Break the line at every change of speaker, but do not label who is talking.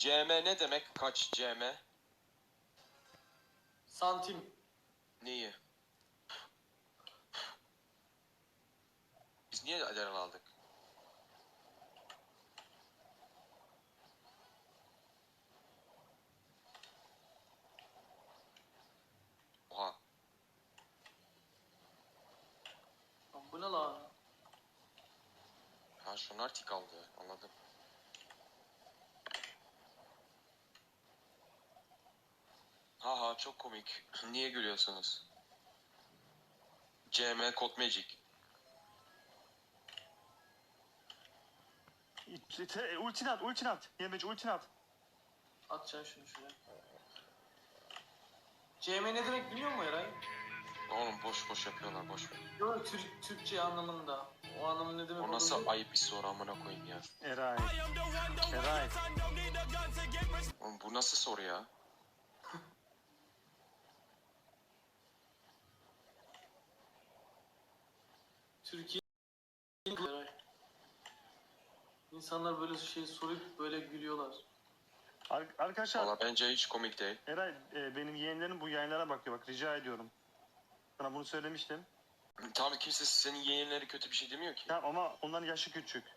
CM ne demek? Kaç CM?
Santim.
Neyi? Biz niye Aderen aldık? Oha.
Lan bu ne lan?
Ha şunlar tik aldı. Anladım. Haha çok komik. Niye gülüyorsunuz? CM Code Magic.
Ultin at. Yemeci ultin at.
Atacaksın şunu şuraya. CM ne demek biliyor musun Eray?
Oğlum boş boş yapıyorlar, boş ver.
Yok Türkçe anlamında. O anlamı ne demek
O nasıl
olduğunu-
ayıp bir soru amına koyayım ya.
Eray. Eray.
Oğlum bu nasıl soru ya?
Türkiye Eray. İnsanlar böyle şey sorup böyle gülüyorlar.
Arkadaşlar
Valla bence hiç komik değil.
Eray benim yeğenlerim bu yayınlara bakıyor bak rica ediyorum. Sana bunu söylemiştim.
Tamam kimse senin yeğenleri kötü bir şey demiyor ki.
Tamam ama onların yaşı küçük.